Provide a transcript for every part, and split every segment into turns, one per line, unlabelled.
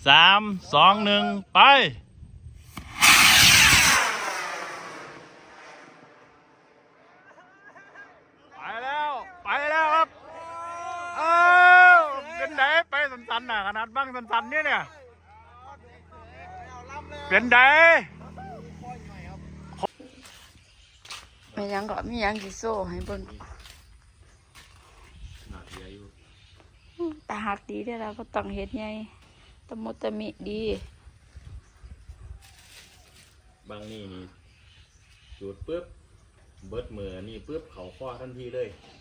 3 2 1ไปแล้วครับเป็นไดไปสันๆน่ะขนาดบ้างสันๆเนี่ยเป็นได
ไม่ยังก็มียังสิโซ่ให้เบิ่งตาหักดีได้แล้วก็ต้องเฮ็ดไงตะมุตะมิดี
บางนี่จุดปุ๊บเบิดมือนี่ปุ๊บเขาข้อทันทีเลย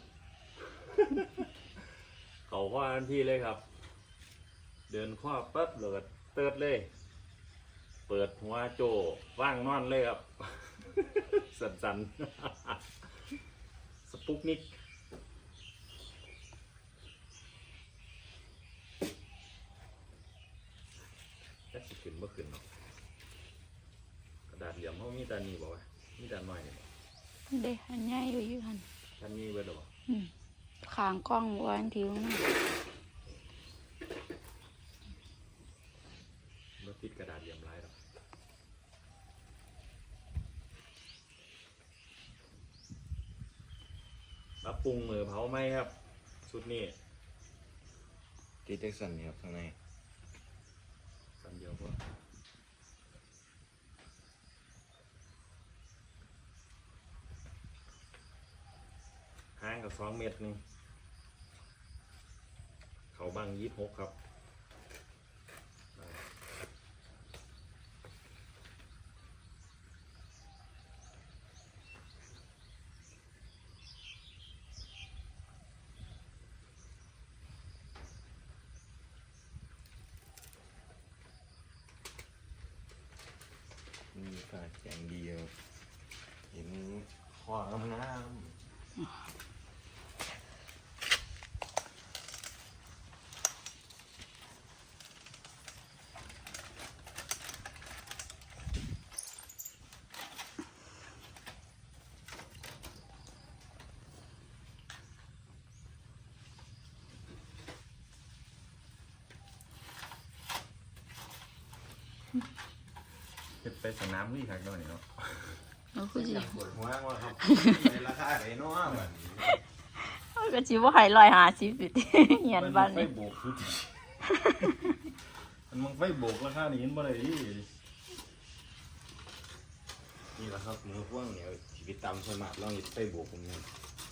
เขาข้อทันทีเลยครับเดินข้อปั๊บเลยเติร์ดเลยเปิดหัวโจว่างนอนเลยครับ สั่นๆ สปุกนิกแค่สิขึ้นเมื่อคืนเนาะกระดาษเหลี่ยมเขามีแต่นี่บอกว่ามีแต่น้อยนี่
เด้อันใหญ่อยู่หั่น
ท่านมีไว้หรอ
ข้างกล้องไว้ทิ้งนะ
รถติดกระดาษเหลี่ยมลายหรอปรับปรุงมือเผาไหมครับชุดนี้
ติดเอ็กซันนี่ครับข้างใน
สันเดียวพอห่างกับ2 เมตรนึงเขาบัง26ครับ
มีการแข่งดีครับเห็นข้องาม
จะไปสนามวิ่งทางโน่นเนาะ
เอาคือสิ
ปวดหัวว่าครับในราคาไหนเนาะแบบนี้
ก็สิบ่ให้150อยู่ติเหียนบ้านนี่
ไฟโบกคือมันไฟโบกราคานี้มันบ่ได้ดิ
นี่แหละครับมือพ่วงเนี่ยชีวิตตามสมัครลองหยิบไปบวกผมเนี่ย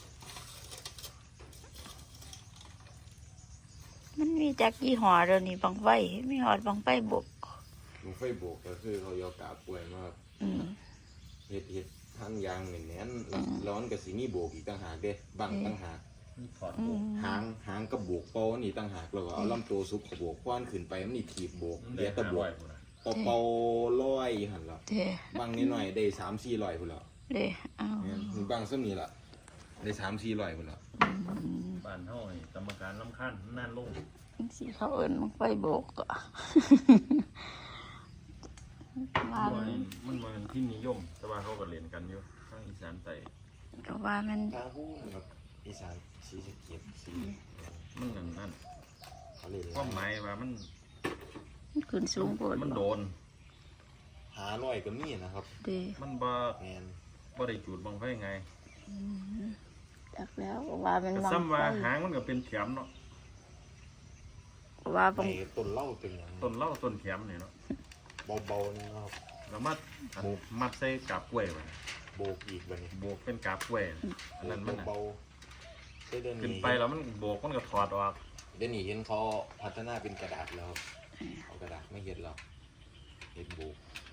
มันมีจักยี่ห้อเดี๋ยวนี้บังไฟมีฮอดบังไฟบก
มือไฟบวกก็คือเขายอกาป่วยมากเห็ดท่านยางเหมือนแน่นร้อนกับสีนี่บวกอีกต่างหากเด้บังต่างหาก
ถอดโบก
หางกับบวกเป้านี่ต่างหากแล้วก็เอาลำตัวซุปกับบวกคว้านขึ้นไปมันนี่ถีบบวกเดี๋ยวตะบวกเป่าร้อยหันละบางนิดหน่อยได้3-400พุ่นละ
เด้เอา
บางซ้ำนี่ละได้3-400พุ่นละ
บ้านเฮานี่กรรมการรำคาญนั่นลง
สิเขาเอิ้นบังไฟบกก็
ว่ามันเป็นที่นิยมแต่ว่าเขาก็เล่นกันอยู่ทางอีสานใต้
ก็ว่ามัน
ทางฮู้ครับอีสานศรีสะเกษศรี
มันนั่นความหมายว่ามัน
ขึ้นสูงกว่า
มันโดน
500ก็มีนะครับ
มันบ่ได้จูดบังไฟไง
จักแล้วว่ามัน
บังไฟซ้ำว่าหางมันก็เป็นแขมเนาะ
ว่าบัง
ต้นเหล้าเป็นหยัง
ต้นเหล้าต้นแขมนี่เนาะ
เบาๆนะครับ
แล้วมัดใส่กาบกล้วยไป
โบกอีกแบบนี้
โบกเป็นกาบกล้วยอันนั้นมัน
เบา
ขึ้นไปแล้วมันโบกมันก็ถอดออก
เดี๋ยวนี้เห็นเขาพัฒนาเป็นกระดาษแล้วเอากระดาษไม่เห็นหรอกเห็นโบก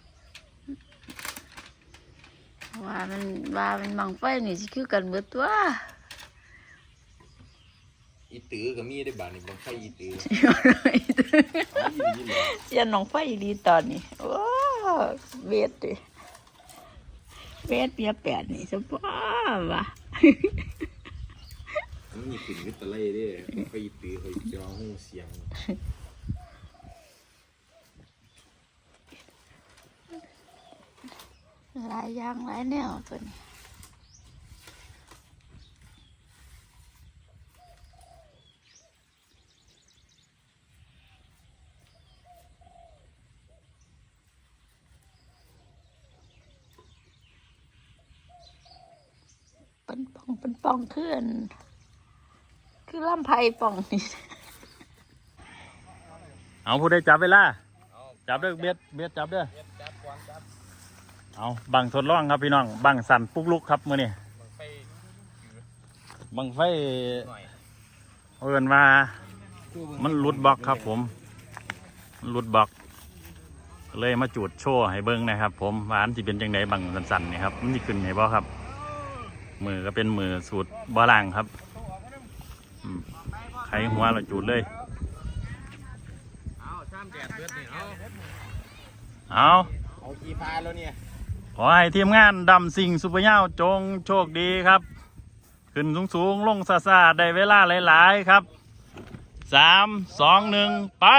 ว่ามันบังไฟนี่สิคือกันเบิดตัว
อีตือก็มีได้บาดนี่บังไฟอีตือ
เสียนน้องไฟดีตอนนี้โอ้เวทดิเวทเปียแปดนี่สบายว่ะ
มันมีกลิ่นวิตาเล่ด้วยไฟอีตือเขาจะร้องหูเสียง
หลายอย่างหลายแนวตัวนี้เป็นป่องขึ้นคือลำไผ่ป่องนี่
เอาผู้ใดจับเวลาจับเด้อเบียดจับเด้อเอาบังทดลองครับพี่น้องบังสั่นปุกลุกครับมื้อนี้บังไฟเอิ้นว่ามันหลุดบล็อกครับผมมันหลุดบล็อกเลยมาจูดโชว์ให้เบิ้งนะครับผมว่าอันที่เป็นจังไดบังสั่นๆนี่ครับมันสิขึ้นให้บ่ครับมือก็เป็นมือสูตรบ่ล่างครับไขหัวเราจูดเลยเอา
กี่พาแล้วเนี่ย
ขอให้ทีมงานดำสิ่งซุปเปอร์เน่าจงโชคดีครับขึ้นสูงๆลงซาๆได้เวลาหลายๆครับ3 2 1ไป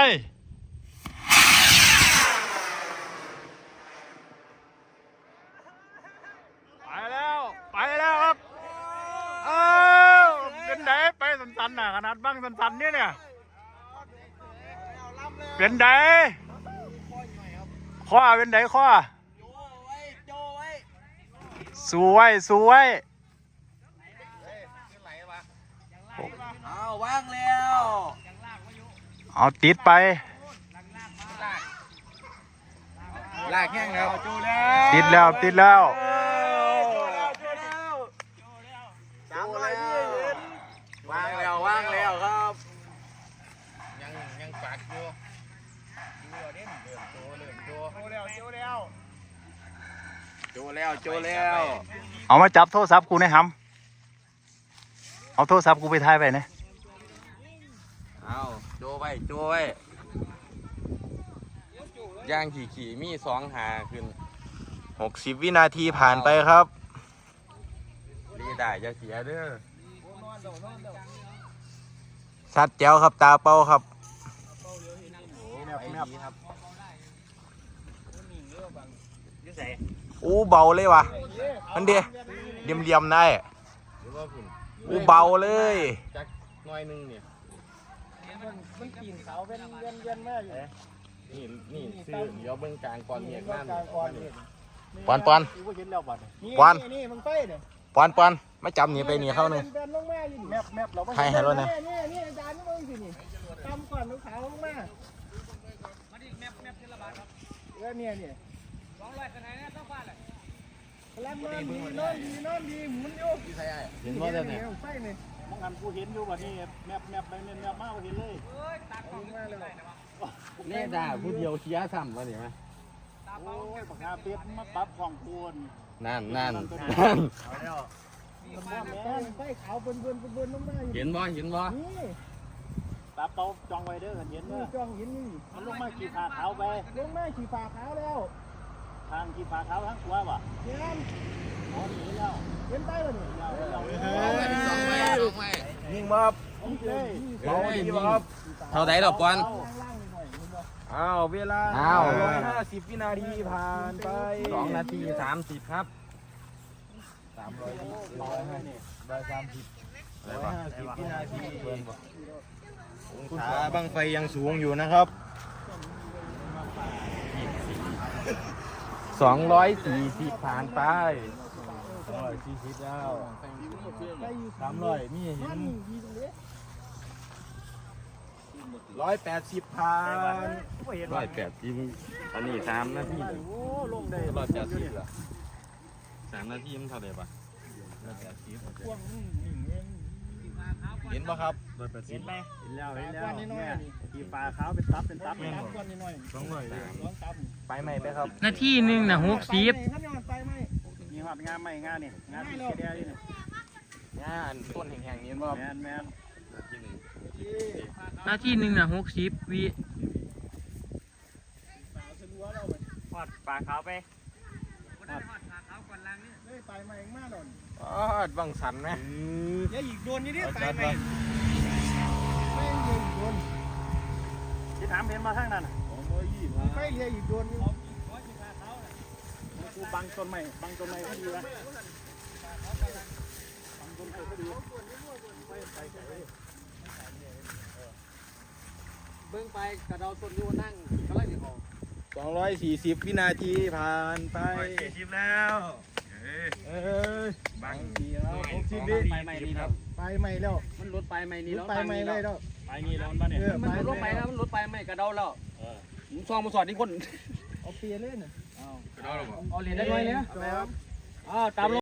แล้วครับเป็นไดไปสันๆน่ะขนาดบังสันๆเนี่ยเป็นไดข้อเป็นไดข้อสวย
เอาว่างแล้ว
เอาติดไป
ลากแห้งแล้ว
ติดแล้ว
ว่างแล้วครับยังปักอยู่โจแล้ว
เอามาจับโทรศัพท์กูหนะครับเอาโทรศัพท์กูไปถ่ายไปนะ
เอาโจไว้ย่างขี่มี2 หาขึ้น60 วินาทีผ่านไปครับรีได้จะเสียเด้อชัดแจ๋วครับตาเป้าครับอู้เบาเลยวะมันเดียเลี่ยมได้อู้เบาเลยจักน้อยนึงเนี่ยมันกินเขาเป็นเย็นๆมากอยู่นี่ซื้อเดี๋ยวเบิ้งกลางก่อนเนี่ยนั่นปอนไม่จำนี่ไปนี่เข้าหนึ่งให้แล้วนะ
นี่อาจารย์นี่มึงสินี่ตำก่อนลูกสาวลงมาแมปเทละบาทครับเนี่ย200คะแนนเนี่ยต้องฟาดเลยแล้วนอนดีหมุนอยู่
เห็นว่าจะเนี่ย
ไฟนี่มองหันกูเห็นอยู่แบบนี้แมปไปแมปมากกูเห็นเลยตักของมาเลย
นี่ด่าผู้เดียวเชียร์ซ้ำวะเนี่ยไหม
โอ้ยปากกาเปียกมาปรับของคูณ
นั่น
ไฟขาวเบิ่นลงมา
เห็นบ่
นี่ตาเปาจองไว้เด้อเห็นมั้ยจองเห็นนี่มันลงมาขี่ฟ้าขาวไปลงมาขี่ฟ้าขาวแล้วทางขี่ฟ้าขาวทางขวาว่ะเห็นหนีแล้วเห็นไปแล้วนี่
ยิงบ่ครับเท่าไหร่ดอกปอนเวลา150 วินาทีผ่านไป2 นาที 30ครับ300 150 วินาทีขาบังไฟยังสูงอยู่นะครับ240ผ่านไป240แล้ว300มีเห็น180ผ่าน180อันนี้3 นาที180เหรอ3 นาทีมันเท่าไหร่ปะเห็นป่ะครับ
เห็นไหมเห็นแล้วเนี่ยขี่ฟ้าขาวเป็นตับก้อนนิดหน่อย
ไปไหมไปครับ
นาทีหนึ่งนะ60
มีหอดงานใหม่งานนี่งานที่เดียวนี่
งานต้นแห่งๆนี้ว่า
แมน
นาทีหนึ่งนะ60 วิ
หอดฟ้าขาวไปหอดฟ้าขาวก่อนล่างนี่ไปใหม่มากหน่อย
บังสันไหม
อย่าอีกโดนนี่ไปใหม่ไม่ยิงโดนที่ถามเห็นมาทางนั้นไม่เรียอีกโดนกูบังต้นไม้ก็ดีวะบังต้นไม้ก็ดี
เบิ้งไปกระเดาต้นยูนั่งกำลังจะออก
240 วินาทีผ่านไป
240แล้ว
บัง
ไปใหม่นี่แล้ว
ไปใหม่แล้ว
มันลดไปใหม่นี่แล้ว
ไปใหม่เลยแล้ว
ไปนี่แล้วมันเนี่ย
มันลดไปแล้วมันลดไปใหม่กระเดาแล้วผมซองมาสอดที่คน
เอาเปลี่ยนเลยน่ะ
เอาเหรียญได้ไหมเนี่ยตาม